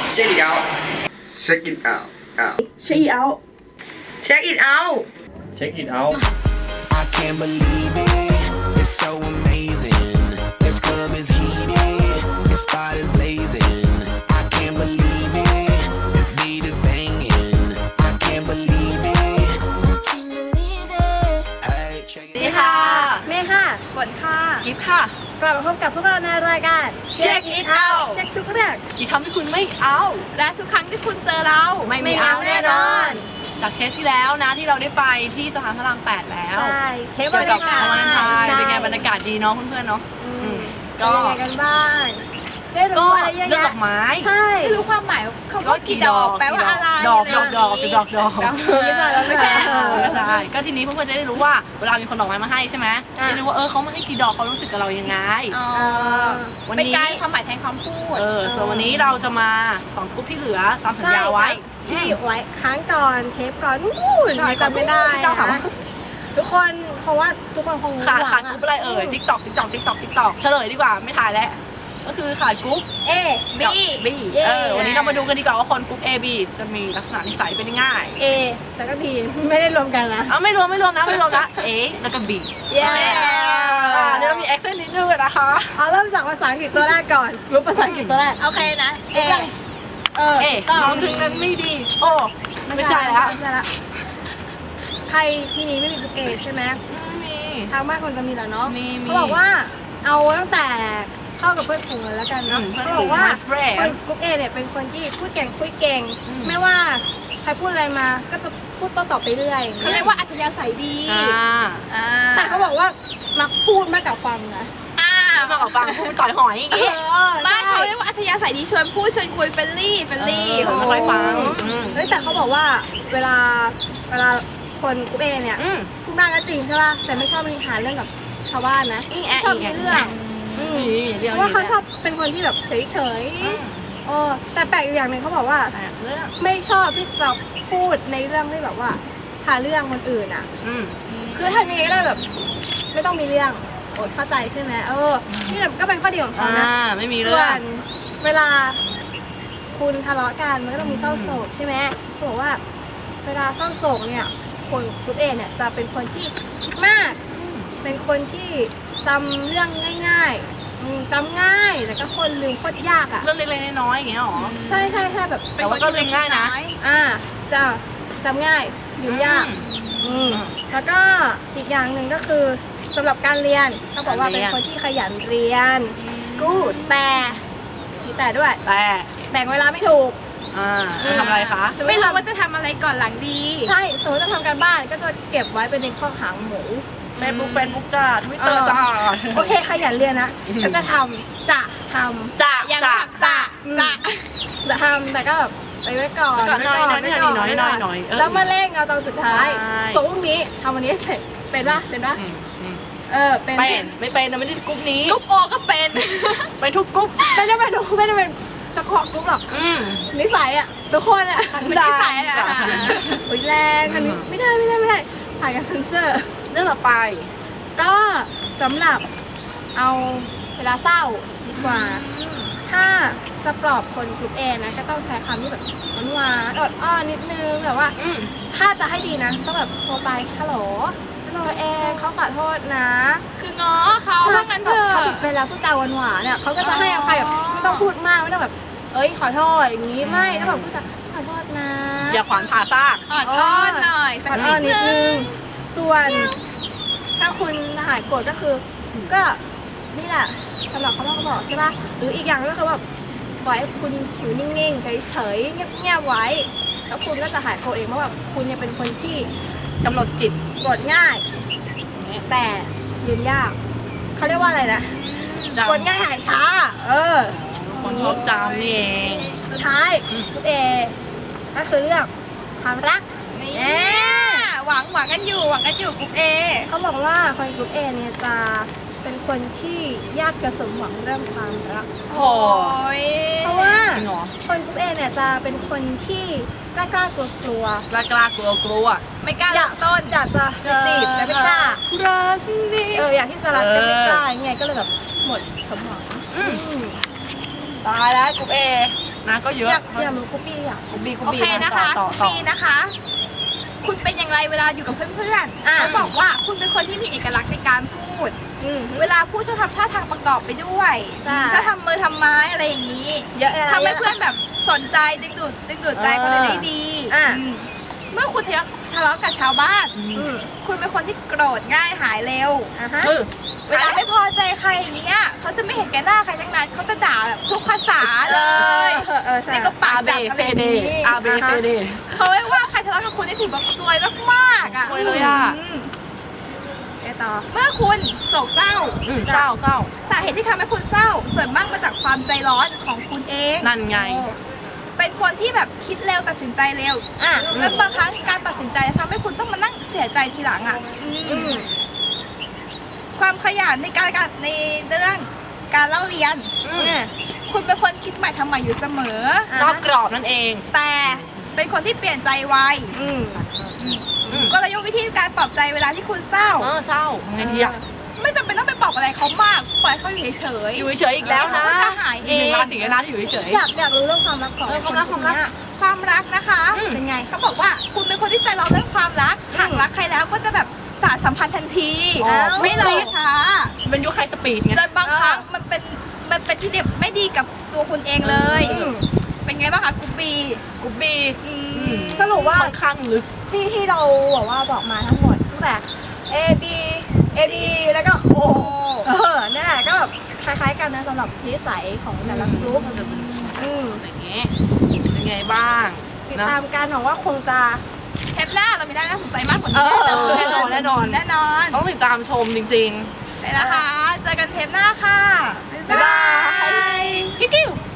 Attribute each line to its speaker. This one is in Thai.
Speaker 1: Check it out
Speaker 2: Check it out
Speaker 3: Check it out
Speaker 4: Check it out
Speaker 5: Check it out
Speaker 6: I can't believe it. It's so amazing. This club is heated. This spot is blazing. I can't believe it. This beat is banging. I can't believe it. Hey, check it
Speaker 4: นี่ค่ะ
Speaker 3: เมย์ค่ะ
Speaker 4: ฝนค่ะ กิฟค่ะ
Speaker 3: กลับมาพบกับพวกเราในรายการ
Speaker 4: Check it out
Speaker 3: เช็คทุกเรื่อง
Speaker 4: ที่ทำให้คุณไม่เอา และทุกครั้งที่คุณเจอเรา ไม่เอาแน่นอน จากเทปที่แล้วนะที่เราได้ไปที่สะพานพระราม 8 แล้ว
Speaker 3: ใช่เทป
Speaker 4: เกี่ยวกับ
Speaker 3: วัน
Speaker 4: วาเลนไทน์
Speaker 3: ใช่
Speaker 4: เป็นไงบรรยากาศดีเนาะเพื่อนๆเนาะ
Speaker 3: ก็
Speaker 4: ก็
Speaker 3: ยังไงกันบ้างได้
Speaker 4: ก็
Speaker 3: รู้อะไรเยอะ
Speaker 4: เรื่องด
Speaker 3: แยะ
Speaker 4: อกไม้
Speaker 3: ใช่
Speaker 4: ไม่รู้ความหมายเขาว่ากี่ดอกแปลว่าอะไรดอกไม่ใช่ใช่ก็ทีนี้เพื่อนๆจะได้รู้ว่าเวลามีคนดอกไม้มาให้ใช่ไหมจะรู้ว่าเขามาให้กี่ดอกเขารู้สึกกับเรายังไงวันนี้เป็นการความหมายแทนคำพูดส่วนวันนี้เราจะมา2กลุ่มที่เหลือตามสัญญาไว้
Speaker 3: ที่ไว้ค้างก่อนเทปก่อนนู่น
Speaker 4: ใช่
Speaker 3: จำไม่ได้
Speaker 4: เจ้าถามว่า
Speaker 3: ทุกคนเพราะว่าทุกคนคง
Speaker 4: ขาด
Speaker 3: หวัง
Speaker 4: กรุ๊ปอะไรเอ่ย TikTok เฉลยดีกว่าไม่ถ่ายแล้วก็คือขาดกรุ๊ป
Speaker 3: A
Speaker 4: B วันนี้เรามาดูกันดีกว่าว่าคนกรุ๊ป A B จะมีลักษณะนิสัยเป็นยังไง
Speaker 3: A แล้วก็ B ไม่ได้รวมกันนะ
Speaker 4: ไม่รวมนะ A แล้วก็ B
Speaker 3: เย้
Speaker 4: เดี๋ยวเรามี accent นิดนึงนะคะ
Speaker 3: เอาเริ่มจากภาษาอังกฤษตัวแรกก่อนรู้ภาษาอังกฤษตัวแรก
Speaker 4: โอเคนะ
Speaker 3: A
Speaker 4: น้องถึงนั้นไม่ดีโอ้ไม่ใช่แล้ว
Speaker 3: ไม่ใช่ละใครที่นี้ไม่มีกรุ๊ป A ใช่ไหม
Speaker 4: ไม่มี
Speaker 3: ทางบ้านคนจะมีแล้วเนาะ
Speaker 4: มี
Speaker 3: เขาบอกว่าเอาตั้งแต่เข้ากับเพื่อนฝูงเลยแล้วกันเนาะ
Speaker 4: เพื่อน
Speaker 3: เขา
Speaker 4: ฝู
Speaker 3: บอง กว่า
Speaker 4: my friend
Speaker 3: คนกรุ๊ป A เนี่ยเป็นคนที่พูดเก่งคุยเก่ง ไม่ว่าใครพูดอะไรมาก็จะพูดโต้ตอบไปเรื่อย
Speaker 4: เขาเรียกว่าอัธยาศัยดี
Speaker 3: แต่เขาบอกว่ามักพูดมากกว่าฟังนะ
Speaker 4: มากับฟังพูดต่อยหอยอย่างงี้
Speaker 3: บ้านเขา
Speaker 4: เรียกว่าอัธยาศัยดีชวนพูดชวนคุยเฟรนลี่ผมไม่ค่อยฟัง
Speaker 3: เฮ้ยแต่เขาบอกว่าเวลาคนกรุ๊ป A เนี่ยพูดมากก็จริงใช่ป่ะแต่ไม่ชอบมีปัญหาเรื่องกับชาวบ้านนะไม่ชอบมีเรื่องเพราะว่าเขาชอบเป็นคนที่แบบเฉยๆแต่แปลกอยู่อย่างหนึ่งเขาบอกว่าไม่ชอบที่จะพูดในเรื่องที่แบบว่าหาเรื่องคนอื่นอ่ะคือทำยังไงก็ได้แบบไม่ต้องมีเรื่องเข้าใจใช่ไหมนี่ก็เป็นข้อดีของเขานะ
Speaker 4: ไม่มี
Speaker 3: ส่
Speaker 4: เรื่
Speaker 3: ว
Speaker 4: อง
Speaker 3: นเวลาคุณทะเลาะกันมันก็ต้องมีเศร้าโศกใช่ไหมเขาบอกว่าเวลาเศร้าโศกเนี่ยคนกรุ๊ป A เนี่ยจะเป็นคนที่คิดมากเป็นคนที่จำเรื่องง่ายๆจำง่ายแต่ก็คนลืมโคตรยากอ่ะ
Speaker 4: เรื่องเล็กๆน้อยๆอย่างเงี้ยหรอ
Speaker 3: ใช่แบบ
Speaker 4: แต่ว่าก็ลืมง่ายนะ
Speaker 3: จะจำง่ายลืมยากแล้วก็อีกอย่างหนึ่งก็คือสำหรับการเรียนเขาบอกว่าเป็นคนที่ขยันเรียนกู๊ดแต่มีแต่ด้วยแบ่งเวลาไม่ถูก
Speaker 4: ทำอะไรคะ
Speaker 3: ไม่รู้ว่าจะทำอะไรก่อนหลังดีใช่สมมติจะทำการบ้านก็จะเก็บไว้เป็นในข้อหางหมู
Speaker 4: เฟซบุ๊กจ้าทวิตเตอร์จ้า
Speaker 3: โอเคขยันเรียนนะฉันจะทำจะทำแต่ก็แบบไปไว้ก่อน
Speaker 4: น้อย
Speaker 3: แล้วมาเร่งเอาตอนสุดท้ายสมมตินี้ทำวันนี้เสร็จเป็นปะเป็น
Speaker 4: ไม่เป็นไม่ได้กรุ๊ปนี้
Speaker 3: กรุ๊ปโอก็เป็น
Speaker 4: ไปทุกกรุ๊ป
Speaker 3: ไม่ได้เป็นเฉพาะกรุ๊ปหรอกนิสัยอ่ะทุกคนอ่ะเป็นนิสัยอ่ะแรงอันนี้ไม่ได้ผ่านการเซ็นเซอร์
Speaker 4: เรื่องต่อไป
Speaker 3: ก็สำหรับเอาเวลาเศร้าดีกว่าถ้าจะปลอบคนกลุ่ม A นะก็ต้องใช้คำที่แบบหวานอดอ้อนนิดนึงแบบว่าถ้าจะให้ดีนะต้องแบบโทรไปฮัลโหลเองเขาขอโทษนะ
Speaker 4: คือง้อเขาว่างั้นเถอะ
Speaker 3: เขาผิดไปแล้วพูดจาหวานเนี่ยเขาก็จะให้อภัยแบบไม่ต้องพูดมากไม่ต้องแบบขอโทษอย่างนี้ไม่ต้องแบบพูดจาขอโทษนะ
Speaker 4: อย่าขวานผ่าซาก
Speaker 3: อ้อนหน่อยสักนิดนึงส่วนถ้าคุณหายโกรธก็คือก็นี่แหละสำหรับเขาบอกใช่ป่ะหรืออีกอย่างก็คือแบบปล่อยให้คุณอยู่นิ่งๆเฉยๆเงียบๆไว้แล้วคุณก็จะหายโกรธเองเพราะแบบคุณยังเป็นคนที่
Speaker 4: กำหนดจิต
Speaker 3: โกรธง่ายแต่ลืมยากเขาเรียกว่าอะไรนะโกรธง่ายหายช้า
Speaker 4: คนชอบจำนี่เอง
Speaker 3: สุดท้ายกรุ๊ป A ก็คือเรื่องความรัก
Speaker 4: หวังกันอยู่กรุ๊ป A
Speaker 3: เขาบอกว่าคนกรุ๊ป A เนี่ยจะเป็นคนที่ยากจะสมหวังเรื่องความรัก
Speaker 4: โอ้ย
Speaker 3: เพราะว่าคนกรุ๊ป A เนี่ยจะเป็นคนที่กล้ากลัวกลัว
Speaker 4: ไม่กล้า
Speaker 3: ต้นอยากจะจีบแต่ไม่กล้า
Speaker 4: รักนี่
Speaker 3: อยากที่จะรักแต่ไม่กล้าไงก็เลยแบบหมดสมหวัง
Speaker 4: ตายแล้วกรุ๊ป A นะก็เยอะ
Speaker 3: อยากรู้กูปี้อ่ะ
Speaker 4: กุบบี้
Speaker 1: โอเคนะคะคุณปีนะคะ คุณเป็นอย่างไรเวลาอยู่กับเพื่อนๆเขาบอกว่าคุณเป็นคนที่มีเอกลักษณ์ในการพูด เวลาพูดชอบทำท่าทางประกอบไปด้วยชอบทำมือทำไม้อะไรอย่างนี้
Speaker 3: เยอะ
Speaker 1: ทำให้เพื่อนแบบสนใจดึงดูดใจคนอื่นได้ดีเมื่อคุณทะเลาะกับชาวบ้าน คุณเป็นคนที่โกรธง่ายหายเร็ว เวลาไม่พอใจใครอย่างเงี้ยเขาจะไม่เห็นแก่หน้าใครทั้งนั้นเขาจะด่าแบบทุกภาษาเลยนี่ก็ปากจับอะไรอย่างนี้
Speaker 4: อาเบเฟเด
Speaker 1: เขาเรียกว่าใครทะเลาะกับคุณนี่ถือแบบซวยมากๆอ่ะ
Speaker 4: ซวยเลยอ่ะ
Speaker 3: ต่อ
Speaker 1: เมื่อคุณโศกเศร้า
Speaker 4: เศร้า
Speaker 1: สาเหตุที่ทำให้คุณเศร้าส่วนมากมาจากความใจร้อนของคุณเอง
Speaker 4: นั่นไง
Speaker 1: เป็นคนที่แบบคิดเร็วตัดสินใจเร็วจนบางครั้งการตัดสินใจทำให้คุณต้องมานั่งเสียใจทีหลังอ่ะความขยันในในเรื่องการเล่าเรียนคุณเป็นคนคิดใหม่ทำใหม่อยู่เสมอ
Speaker 4: รอบกรอบนั่นเอง
Speaker 1: แต่เป็นคนที่เปลี่ยนใจไวกลยุทธ์วิธีการปลอบใจเวลาที่คุณเศร้า
Speaker 4: เศร้าไงทีอะ
Speaker 1: ไม่จำเป็นต้องไปปลอบอะไรเขามากปล่อยเขาอยู่เฉย
Speaker 4: อยู่เฉยอีกแล้วนะ
Speaker 1: เขาจะหายเอง
Speaker 4: ราศีนะที่อยู่เฉย
Speaker 3: อยากรู้เรื่องความรักของ
Speaker 4: ความรัก
Speaker 1: ความรักนะคะเป็นไงเขาบอกว่าคุณเป็นคนที่ใจร้อนเรื่องความรักหากรักใครแล้วก็จะแบบสานสัมพันธ์ทันทีไม่รอช้า
Speaker 4: เป็นยุคไฮสปีดไง
Speaker 1: จนบางครั้งมันเป็นที่เด็บไม่ดีกับตัวคุณเองเลย เป็นไงบ้างคะกุ๊บบี
Speaker 4: กุบบี้
Speaker 3: สรุปว่า
Speaker 4: ค่อนข้างลึก
Speaker 3: ที่เราบอกมาทั้งหมดตั้งแต่ A B A B แล้วก็ O นั่นแหละก็แบบคล้ายๆกันนะสำหรับนิสัยของแต่ละกลุ่ม
Speaker 4: อย่างเงี้ยเป็นไงบ้าง
Speaker 3: ติดตามกันหวังว่าคงจะ
Speaker 1: เทปหน้าเรามีน่าสนใจมากกว่านี้
Speaker 4: แน่นอน
Speaker 1: แน่นอน
Speaker 4: ต้องติดตามชมจริง
Speaker 1: ไปนะคะ เจอกันเทปหน้าค่ะ บ๊ายบาย
Speaker 4: ๆ กิ๊ว